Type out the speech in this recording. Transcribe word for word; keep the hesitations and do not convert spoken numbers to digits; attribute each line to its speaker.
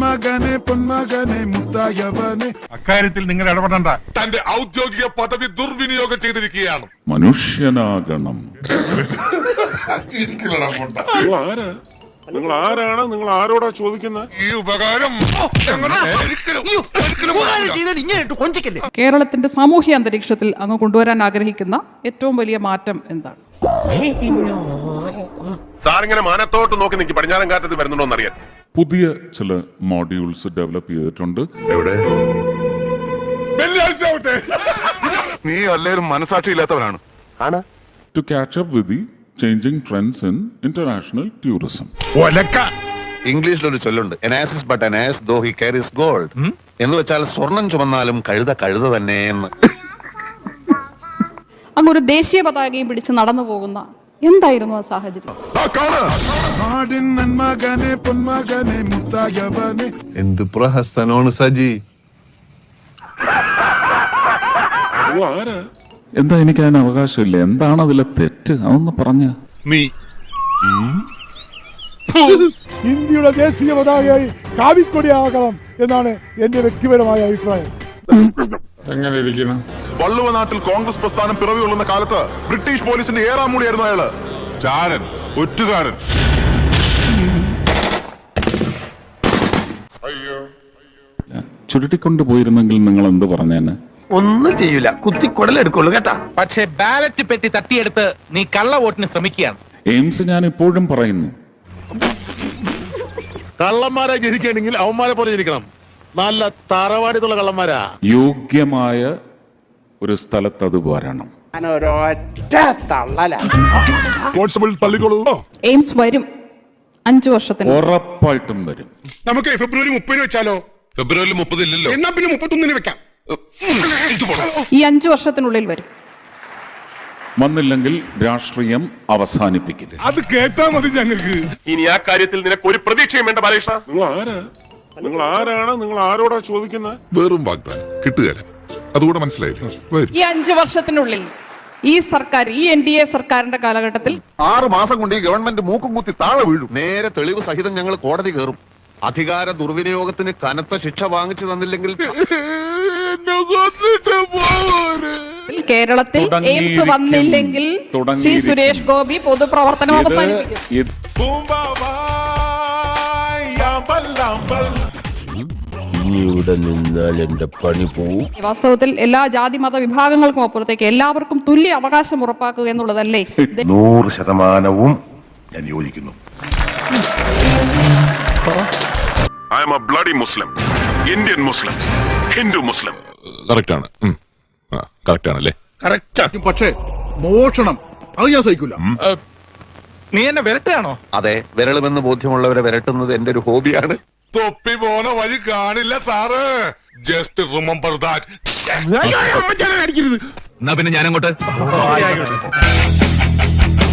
Speaker 1: നന്മകനെ പൊന്മകനെ മുത്തായവനെ.
Speaker 2: അക്കാര്യത്തിൽ നിങ്ങൾ ഇടപെടണ്ട.
Speaker 3: തന്റെ ഔദ്യോഗിക പദവി ദുർവിനിയോഗം ചെയ്തിരിക്കുകയാണ്.
Speaker 1: മനുഷ്യനാകണം.
Speaker 4: നിങ്ങൾ ആരാണ്? നിങ്ങൾ ആരോടാ ചോദിക്കുന്നത്?
Speaker 3: ഈ ഉപകാരം
Speaker 5: കേരളത്തിന്റെ സാമൂഹ്യ അന്തരീക്ഷത്തിൽ അങ്ങ് കൊണ്ടുവരാൻ ആഗ്രഹിക്കുന്ന ഏറ്റവും വലിയ മാറ്റം എന്താണ്?
Speaker 3: സാറിങ്ങനെ മാനത്തോട്ട് നോക്കി നിൽക്കി പടിഞ്ഞാറൻ കാറ്റത്ത് വരുന്നുണ്ടോന്നറിയാൻ
Speaker 1: പുതിയ ചില മോഡ്യൂൾസ് ഡെവലപ്പ് ചെയ്തിട്ടുണ്ട്.
Speaker 3: നീ അല്ലേലും മനസാക്ഷി ഇല്ലാത്തവനാണ്.
Speaker 1: To catch up with the changing trends in international tourism.
Speaker 6: ഇംഗ്ലീഷിലൊരു ചൊല്ലുണ്ട്, an ass is but an ass though he carries gold എന്ന് വെച്ചാൽ സ്വർണം ചുമന്നാലും കഴുത കഴുത തന്നെ എന്ന്.
Speaker 5: അങ്ങ് ഒരു ദേശീയ പതാകയും പിടിച്ച് നടന്നു പോകുന്ന എന്തായിരുന്നു ആ സാഹചര്യം?
Speaker 1: നാടിൻ നന്മകനെ പൊന്മകനെ മുത്തായവനെ.
Speaker 6: എന്ത് പ്രഹസനമാണ് സജി.
Speaker 1: എന്താ എനിക്ക് അതിന് അവകാശമില്ല? എന്താണ് അതിലെ തെറ്റ്? അതൊന്ന് പറഞ്ഞ
Speaker 3: നീ
Speaker 7: ഇന്ത്യയുടെ ദേശീയ പതാകയായി കാവിക്കൊടിയാകണം എന്നാണ് എന്റെ വ്യക്തിപരമായ അഭിപ്രായം.
Speaker 4: എങ്ങനെ ഇരിക്കണം?
Speaker 3: വള്ളുവ നാട്ടിൽ കോൺഗ്രസ് പ്രസ്ഥാനം പിറവി കൊള്ളുന്ന കാലത്ത് ബ്രിട്ടീഷ് പോലീസിന്റെ ഏറാം മൂടിയായിരുന്നു അയാള്. ചാരൻ, ഒറ്റുകാരൻ.
Speaker 1: ചുരുട്ടിക്കൊണ്ട് പോയിരുന്നെങ്കിൽ നിങ്ങൾ എന്ത് പറഞ്ഞേനെ?
Speaker 8: ഒന്നും ചെയ്യൂല, കുത്തി കുടലെടുക്കുള്ളൂ കേട്ടാ. പക്ഷെ ബാലറ്റ് പെട്ടി തട്ടിയെടുത്ത് നീ കള്ള വോട്ടിന് ശ്രമിക്കുകയാണ്.
Speaker 1: എയിംസ് ഞാൻ ഇപ്പോഴും പറയുന്നു,
Speaker 4: കള്ളന്മാരെ ജനിക്കണമെങ്കിൽ അവന്മാരെ പോലെ ജനിക്കണം. നല്ല തറവാടിത്തുള്ള കള്ളന്മാരാ.
Speaker 1: യോഗ്യമായ ഒരു സ്ഥലത്ത് അത് വരണം.
Speaker 5: എയിംസ് വരും, അഞ്ചു വർഷത്തിന്
Speaker 1: ഉറപ്പായിട്ടും വരും.
Speaker 2: നമുക്ക് ഫെബ്രുവരി മുപ്പതിന് വെച്ചാലോ?
Speaker 3: ഫെബ്രുവരി മുപ്പത് ഇല്ലല്ലോ,
Speaker 2: എന്നാ പിന്നെ മുപ്പത്തൊന്നിന് വെക്കാം.
Speaker 5: ഈ അഞ്ചു വർഷത്തിനുള്ളിൽ വരും.
Speaker 1: വന്നില്ലെങ്കിൽ രാഷ്ട്രീയം അവസാനിപ്പിക്കില്ല.
Speaker 2: അത് കേട്ടാ മതി ഞങ്ങൾക്ക്.
Speaker 3: ഇനി ആ കാര്യത്തിൽ നിനക്ക് ഒരു പ്രതീക്ഷയും വേണ്ട ബാലകൃഷ്ണ.
Speaker 4: നിങ്ങൾ ആരാ? നിങ്ങൾ ആരാണ്? നിങ്ങൾ ആരോടാ ചോദിക്കുന്നത്?
Speaker 3: വെറും വാഗ്ദാനം കിട്ടുകയില്ല, അതുകൂടെ മനസ്സിലായില്ലേ?
Speaker 5: ഈ അഞ്ചു വർഷത്തിനുള്ളിൽ ഈ സർക്കാർ, ഈ എൻ ഡി എ സർക്കാരിന്റെ കാലഘട്ടത്തിൽ
Speaker 6: ആറ് മാസം കൊണ്ട് ഈ ഗവൺമെന്റ് മൂക്കും കുത്തി താഴെ വീഴും. നേരെ തെളിവ് സഹിതം ഞങ്ങൾ കോടതി കയറും. അധികാര ദുർവിനിയോഗത്തിന് കനത്ത ശിക്ഷ വാങ്ങിച്ചു തന്നില്ലെങ്കിൽ
Speaker 5: കേരളത്തിൽ എയിംസ് വന്നില്ലെങ്കിൽ ശ്രീ സുരേഷ് ഗോപി പൊതുപ്രവർത്തനം അവസാനിപ്പിക്കും.
Speaker 9: ഇവിടെ നിന്നാൽ എന്റെ പണി പോവും.
Speaker 5: വാസ്തവത്തിൽ എല്ലാ ജാതി മത വിഭാഗങ്ങൾക്കും അപ്പുറത്തേക്ക് എല്ലാവർക്കും തുല്യ അവകാശം ഉറപ്പാക്കുക എന്നുള്ളതല്ലേ?
Speaker 6: നൂറ് ശതമാനവും ഞാൻ യോജിക്കുന്നു.
Speaker 3: I am a bloody Muslim, Indian Muslim, Hindu Muslim. Correct ആണ്, കറക്റ്റ് ആണല്ലേ?
Speaker 2: കറക്റ്റ്. പക്ഷേ മോഷണം അത് ഞാൻ സഹിക്കില്ല.
Speaker 8: നീ എന്നെ വിരട്ടാണോ?
Speaker 6: അതെ, വിരളുമെന്ന് ബോധ്യമുള്ളവരെ വിരട്ടുന്നത് എന്റെ ഒരു ഹോബിയാണ്.
Speaker 3: തൊപ്പി പോണ വഴി കാണില്ല സാറ്. Just remember that.
Speaker 8: എന്നാ പിന്നെ ഞാനങ്ങോട്ട്